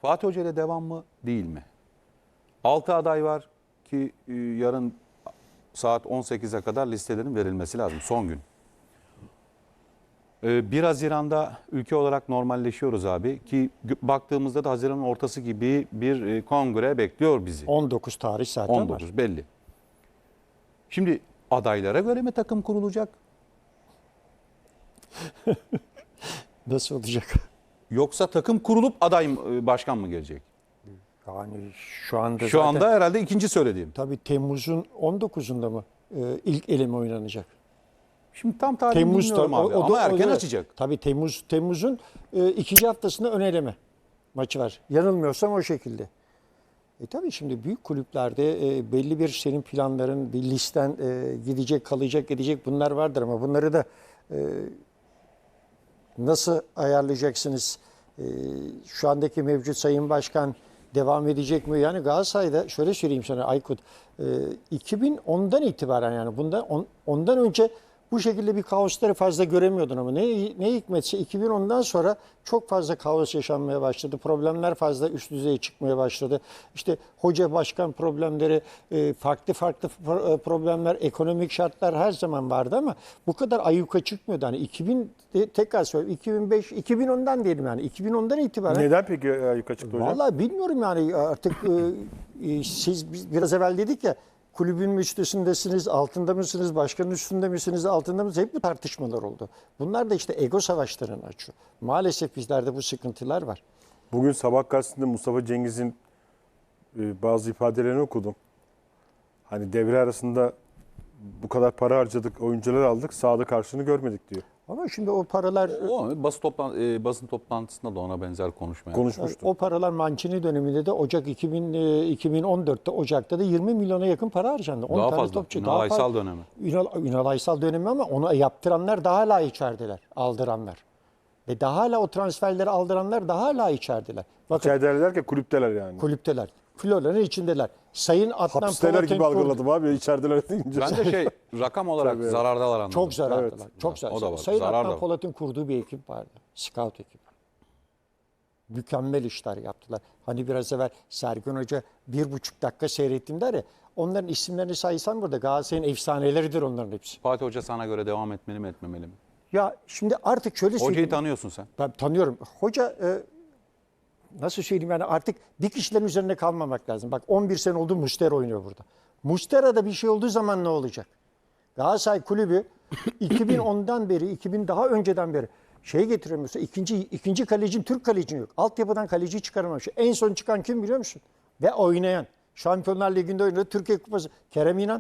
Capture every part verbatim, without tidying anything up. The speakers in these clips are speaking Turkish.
Fatih Hoca ile devam mı değil mi? altı aday var ki e, yarın saat on sekize kadar listelerin verilmesi lazım. Son gün. E, bir Haziran'da ülke olarak normalleşiyoruz abi. Ki baktığımızda da Haziran'ın ortası gibi bir e, kongre bekliyor bizi. on dokuz tarih zaten on dokuz var. belli. Şimdi adaylara göre mi takım kurulacak? Nasıl olacak? Yoksa takım kurulup aday mı, başkan mı gelecek? Yani şu anda Şu zaten, anda herhalde ikinci söylediğim. tabii Temmuz'un on dokuzunda mı e, ilk eleme oynanacak? Şimdi tam tarihini Temmuz'da bilmiyorum abi o- o da- ama o erken da- açacak. Tabii Temmuz Temmuz'un e, ikinci haftasında ön eleme maçı var. Yanılmıyorsam o şekilde. E tabii şimdi büyük kulüplerde e, belli bir senin planların, bir listen e, gidecek, kalacak, gidecek bunlar vardır ama bunları da e, nasıl ayarlayacaksınız? E, şu andaki mevcut Sayın Başkan devam edecek mi? Yani Galatasaray'da şöyle söyleyeyim sana Aykut, e, iki bin ondan itibaren yani bundan on, ondan önce bu şekilde bir kaosları fazla göremiyordun ama ne, ne hikmetse iki bin ondan sonra çok fazla kaos yaşanmaya başladı. Problemler fazla üst düzeye çıkmaya başladı. İşte hoca başkan problemleri, e, farklı farklı problemler, ekonomik şartlar her zaman vardı ama bu kadar ayyuka çıkmıyordu. Hani iki bin tekrar söyleyeyim iki bin beş iki bin ondan diyelim yani iki bin ondan itibaren. Neden peki yukarı çıktı hocam? Vallahi bilmiyorum yani artık e, e, siz biz biraz evvel dedik ya kulübün üstündesiniz, altında mısınız, başkanın üstünde misiniz, altında mısınız? Hep bu tartışmalar oldu. Bunlar da işte ego savaşlarını açıyor. Maalesef bizlerde bu sıkıntılar var. Bugün sabah gazetesinde Mustafa Cengiz'in e, bazı ifadelerini okudum. Hani devre arasında bu kadar para harcadık, oyuncular aldık, sahada karşılığını görmedik diyor. Ama şimdi o paralar O basın, toplan e, basın toplantısında da ona benzer konuşma yaptı. Konuşmuştu. o paralar Mancini döneminde de Ocak iki bin, e, iki bin on dörtte Ocak'ta da yirmi milyona yakın para harcandı. on Daha tane fazla. topçu. Ünal Aysal dönemi. Ünal, Ünal Aysal dönemi ama onu yaptıranlar daha hala içerideler, aldıranlar. Ve daha hala o transferleri aldıranlar daha hala içerideler. Bakın İçerideler derken kulüpteler yani. kulüpteler. Floranın içindeler. Sayın Adnan Hapisteler gibi Polat'ın algıladım abi içerideler deyince. Ben de şey rakam olarak Tabii. zarardalar anladım. çok zarardılar. Evet. Çok zarar. O da var. Sayın Zarar da Adnan var. Polat'ın kurduğu bir ekip vardı. Scout ekibi. Mükemmel işler yaptılar. Hani biraz evvel Sergen Hoca bir buçuk dakika seyrettim der ya. Onların isimlerini saysam burada Galatasaray'ın efsaneleridir onların hepsi. Fatih Hoca sana göre devam etmeli mi etmemeli mi? Ya şimdi artık şöyle Hocayı söyleyeyim. tanıyorsun sen. Ben tanıyorum. Hoca e, nasıl söyleyeyim yani artık bir kişilerin üzerine kalmamak lazım. Bak on bir sene oldu Muslera oynuyor burada. Muslera'da bir şey olduğu zaman ne olacak? Galatasaray Kulübü iki bin ondan beri, iki bin daha önceden beri şey getiremiyorsa ikinci ikinci kalecin Türk kalecin yok. Altyapıdan kaleciyi çıkaramamış. En son çıkan kim biliyor musun? Ve oynayan. Şampiyonlar Ligi'nde oynadı. Türkiye Kupası. Kerem İnan.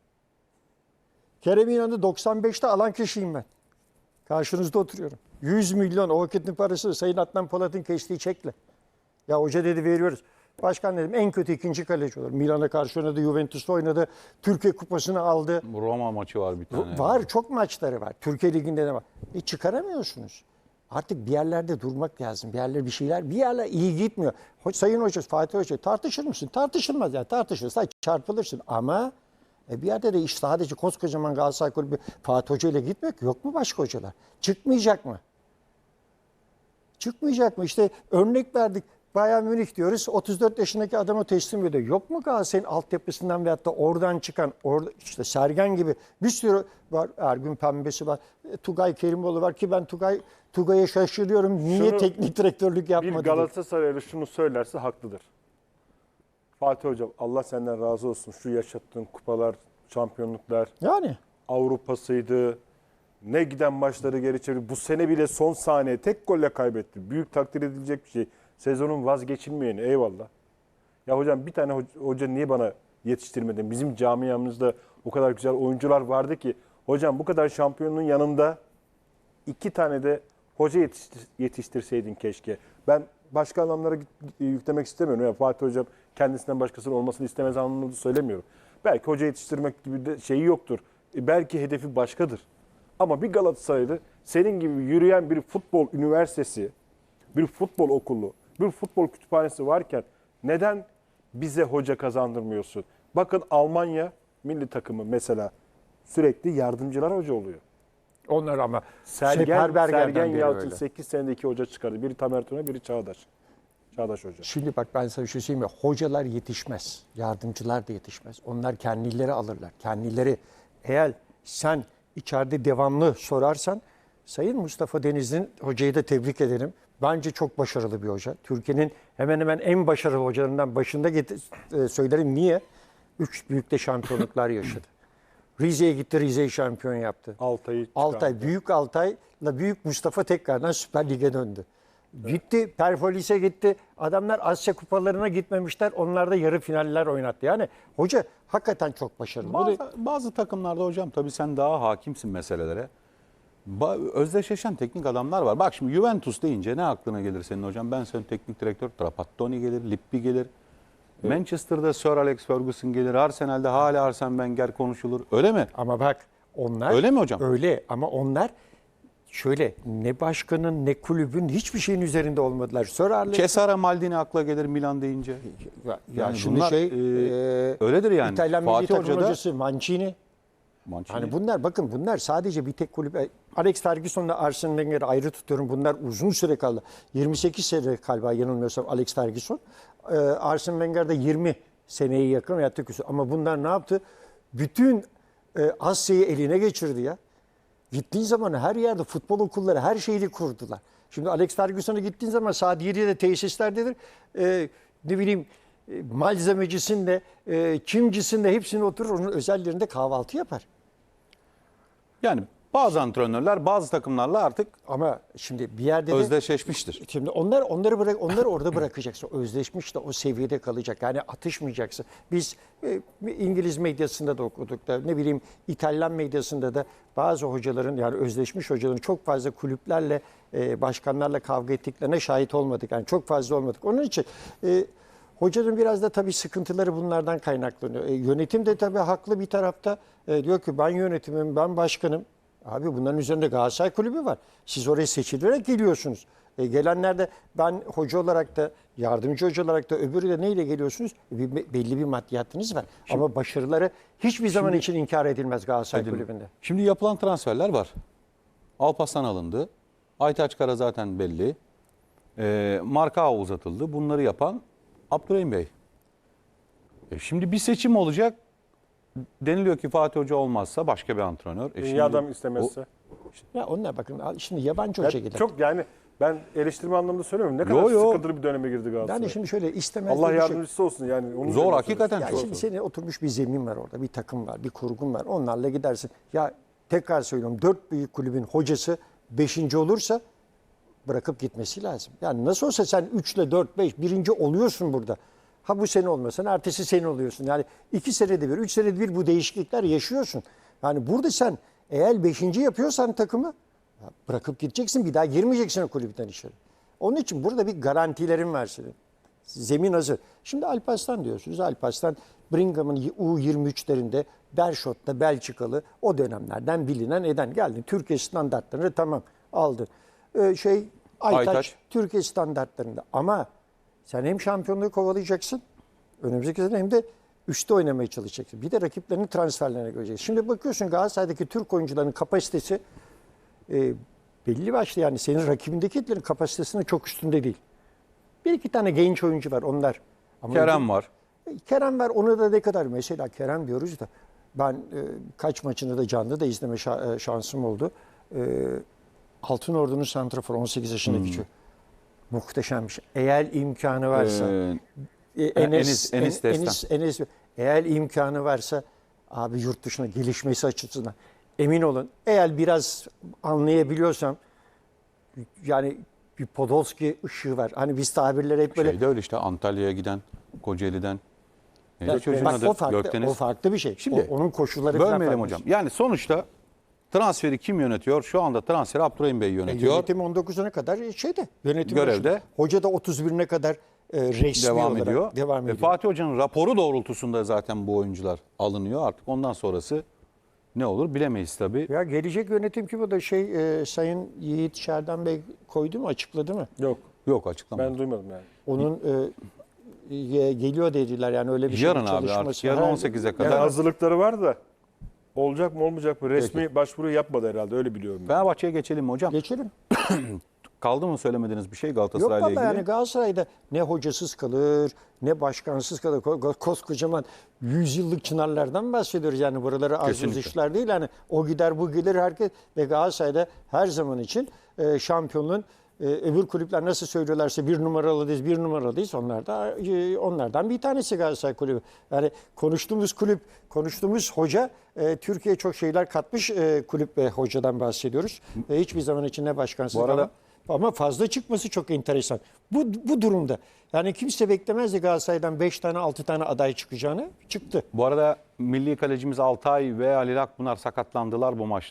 Kerem İnan'ı doksan beşte alan kişiyim ben. Karşınızda oturuyorum. yüz milyon o vakitin parası Sayın Adnan Polat'ın kestiği çekle. Ya hoca dedi veriyoruz. Başkan dedim en kötü ikinci kaleci olur. Milan'a karşı oynadı, Juventus'ta oynadı. Türkiye Kupası'nı aldı. Roma maçı var bir tane. Var çok maçları var. Türkiye Ligi'nde de var. E çıkaramıyorsunuz. Artık bir yerlerde durmak lazım. Bir yerler bir şeyler, bir yerler iyi gitmiyor. Sayın Hoca, Fatih Hoca tartışır mısın? Tartışılmaz ya. Tartışırsa çarpılırsın. Ama e bir yerde de iş sadece koskocaman Galatasaray Kulübü Fatih Hoca ile gitmek yok mu başka hocalar? Çıkmayacak mı? Çıkmayacak mı? İşte örnek verdik. Bayern Münih diyoruz. otuz dört yaşındaki adamı teslim ediyor. Yok mu Galatasaray'ın altyapısından veyahut da oradan çıkan orada işte Sergen gibi bir sürü var. Ergün Pembesi var. Tugay Kerimoğlu var ki ben Tugay Tugay'a şaşırıyorum. Niye Şunu, teknik direktörlük yapmadı? Bir Galatasaraylı şunu söylerse haklıdır. Fatih Hocam Allah senden razı olsun. Şu yaşattığın kupalar, şampiyonluklar, Yani. Avrupa'sıydı. Ne giden maçları geri çevirdi. Bu sene bile son saniye tek golle kaybetti. Büyük takdir edilecek bir şey. Sezonun vazgeçilmeyeni eyvallah. Ya hocam bir tane hoca, hoca niye bana yetiştirmedin? Bizim camiamızda o kadar güzel oyuncular vardı ki. Hocam bu kadar şampiyonun yanında iki tane de hoca yetiştir, yetiştirseydin keşke. Ben başka anlamlara yüklemek istemiyorum. Yani Fatih Hocam kendisinden başkasının olmasını istemez anlamında söylemiyorum. Belki hoca yetiştirmek gibi de şeyi yoktur. E belki hedefi başkadır. Ama bir Galatasaraylı senin gibi yürüyen bir futbol üniversitesi, bir futbol okulu, bir futbol kütüphanesi varken neden bize hoca kazandırmıyorsun? Bakın Almanya milli takımı mesela sürekli yardımcılar hoca oluyor. Onlar ama Sergen, Seferberger'den Sergen beri Yalçın öyle. sekiz senede iki hoca çıkardı. Biri Tamer Tuna, biri Çağdaş. Çağdaş Hoca. Şimdi bak ben sana bir şey söyleyeyim mi? Hocalar yetişmez. Yardımcılar da yetişmez. Onlar kendileri alırlar. Kendileri eğer sen içeride devamlı sorarsan Sayın Mustafa Denizli'nin hocayı da tebrik ederim. Bence çok başarılı bir hoca. Türkiye'nin hemen hemen en başarılı hocalarından başında get- e, söylerim. Niye? Üç büyükte şampiyonluklar yaşadı. Rize'ye gitti, Rize'yi şampiyon yaptı. Altay'ı Altay, Büyük Altay'la Büyük Mustafa tekrardan Süper Lig'e döndü. Gitti, Perfolis'e gitti. Adamlar Asya kupalarına gitmemişler. Onlar da yarı finaller oynattı. Yani hoca hakikaten çok başarılı. Bu da- Bazı, bazı takımlarda hocam tabii sen daha hakimsin meselelere. Ba- özdeşleşen teknik adamlar var. Bak şimdi Juventus deyince ne aklına gelir senin hocam? Ben senin teknik direktör Trapattoni gelir, Lippi gelir. Manchester'da Sir Alex Ferguson gelir. Arsenal'de hala Arsene Wenger konuşulur. Öyle mi? Ama bak onlar... Öyle mi hocam? Öyle ama onlar şöyle ne başkanın ne kulübün hiçbir şeyin üzerinde olmadılar. Sir Alex... Cesare Maldini akla gelir Milan deyince. Ya, ya Yani şimdi bunlar, şey... e, e, öyledir yani. İtalyan milli Fatih takım Hoca da- hocası Mancini. Mancini. Hani bunlar bakın bunlar sadece bir tek kulüp. Alex Ferguson'la Arsene Wenger'i ayrı tutuyorum. Bunlar uzun süre kaldı. yirmi sekiz sene galiba yanılmıyorsam Alex Ferguson. Ee, Arsene Wenger de yirmi seneye yakın yattı küsur. Ama bunlar ne yaptı? Bütün e, Asya'yı eline geçirdi ya. Gittiğin zaman her yerde futbol okulları her şeyi kurdular. Şimdi Alex Ferguson'a gittiğin zaman saat yedide tesislerdedir. Ee, ne bileyim e, malzemecisin de, e, kimcisin de hepsini oturur. Onun özellerinde kahvaltı yapar. Yani bazı antrenörler bazı takımlarla artık Ama şimdi bir yerde de özdeşleşmiştir. şimdi onlar onları bırak onları orada bırakacaksın. Özleşmiş de o seviyede kalacak. Yani atışmayacaksın. Biz e, İngiliz medyasında da okuduk da ne bileyim İtalyan medyasında da bazı hocaların yani özleşmiş hocaların çok fazla kulüplerle e, başkanlarla kavga ettiklerine şahit olmadık. Yani çok fazla olmadık. Onun için e, hocanın biraz da tabii sıkıntıları bunlardan kaynaklanıyor. E, yönetim de tabii haklı bir tarafta. E, diyor ki ben yönetimim, ben başkanım. Abi bunların üzerinde Galatasaray Kulübü var. Siz oraya seçilerek geliyorsunuz. E, gelenler de ben hoca olarak da yardımcı hoca olarak da öbürü de neyle geliyorsunuz? Bir, belli bir maddiyatınız var. Ama başarıları hiçbir zaman için inkar edilmez Galatasaray Kulübü'nde. Şimdi yapılan transferler var. Alparslan alındı. Aytaç Kara zaten belli. E, Marka uzatıldı. Bunları yapan Abdurrahim Bey. E, şimdi bir seçim olacak. Deniliyor ki Fatih Hoca olmazsa başka bir antrenör. E, İyi şimdi adam istemezse. Ya onlar bakın şimdi yabancı Ya hoca gider. çok yani ben eleştirme anlamında söylemiyorum. Ne kadar Yo, yo. sıkıntılı bir döneme girdi Galatasaray. Yani şimdi şöyle istemez Allah diye bir şey- yardımcısı olsun yani. Onu Zor, söylüyorum. hakikaten Ya çok şimdi zor. senin oturmuş bir zemin var orada, bir takım var, bir kurgun var. Onlarla gidersin. Ya tekrar söylüyorum dört büyük kulübün hocası beşinci olursa bırakıp gitmesi lazım. Yani nasıl olsa sen üç ile dört, beş birinci oluyorsun burada. Ha bu sene olmasan ertesi sene oluyorsun. Yani iki senede bir, üç senede bir bu değişiklikler yaşıyorsun. Yani burada sen eğer beşinci yapıyorsan takımı ya bırakıp gideceksin. Bir daha girmeyeceksin o kulüpten içeri. Onun için burada bir garantilerin var senin. Zemin hazır. Şimdi Alparslan diyorsunuz. Alparslan Bringham'ın U yirmi üçlerinde Berşot'ta Belçikalı o dönemlerden bilinen eden geldi. Türkiye standartlarını tamam aldı. Ee, şey Aytaç, Aytaç. Türkiye standartlarında ama sen hem şampiyonluğu kovalayacaksın önümüzdeki sene hem de üstte oynamaya çalışacaksın. Bir de rakiplerinin transferlerine göreceksin. Şimdi bakıyorsun Galatasaray'daki Türk oyuncuların kapasitesi e, belli başlı yani senin rakibindekilerin kapasitesinin çok üstünde değil. Bir iki tane genç oyuncu var onlar. Ama Kerem var. Kerem var onu da ne kadar mesela Kerem diyoruz da ben e, kaç maçını da canlı da izleme şa- e, şansım oldu. E, Altınordu'nun santraforu on sekiz yaşındaki Hmm. çocuk. Muhteşem bir şey. Eğer imkanı varsa Ee, e, Enis- Enes, Enis En- Destan. Enes, Enes, eğer imkanı varsa abi yurt dışına gelişmesi açısından emin olun. Eğer biraz anlayabiliyorsam yani bir Podolski ışığı var. Hani biz tabirleri hep böyle Şeyde öyle işte Antalya'ya giden, Kocaeli'den. Neydi Ya, çocuğun bak, adı? o farklı, Gökdeniz. o farklı bir şey. Şimdi, O- onun koşulları falan Bölmeyelim farklı. hocam. Yani sonuçta transferi kim yönetiyor? Şu anda transferi Abdurrahim Bey E, yönetiyor. Yönetim on dokuzuna kadar şeyde. Yönetim Görevde. başında. Hoca da otuz birine kadar e, resmi devam olarak ediyor. devam E, ediyor. Fatih Hoca'nın raporu doğrultusunda zaten bu oyuncular alınıyor. Artık ondan sonrası ne olur bilemeyiz tabii. Ya gelecek yönetim kim o da şey e, Sayın Yiğit Şerdan Bey koydu mu açıkladı mı? Yok. Yok açıklamadı. Ben duymadım yani. Onun e, e, geliyor dediler yani öyle bir şey Yarın abi çalışması. artık, yarın Ha, on sekize kadar. Yani yarın- hazırlıkları var da olacak mı olmayacak mı resmi başvuru yapmadı herhalde öyle biliyorum ben. Fenerbahçe'ye geçelim mi hocam? Geçelim. Kaldı mı söylemediğiniz bir şey Yok Galatasaray'la vallahi ilgili? yani Galatasaray'da ne hocasız kalır, ne başkansız kalır. Ko- Koskocaman yüzyıllık çınarlardan bahsediyoruz. Yani buraları az Kesinlikle. buz işler değil. Yani o gider bu gelir herkes. Ve Galatasaray'da her zaman için e, şampiyonluğun e, öbür kulüpler nasıl söylüyorlarsa bir numaralıyız, bir numaralıyız. Onlar da e, onlardan bir tanesi Galatasaray kulübü. Yani konuştuğumuz kulüp, konuştuğumuz hoca e, Türkiye'ye çok şeyler katmış e, kulüp ve hocadan bahsediyoruz. E, hiçbir zaman için ne başkansız Bu arada- ama ama fazla çıkması çok enteresan. Bu, bu durumda yani kimse beklemezdi Galatasaray'dan beş tane altı tane aday çıkacağını. Çıktı. Bu arada milli kalecimiz Altay ve Halil Akpınar sakatlandılar bu maçta.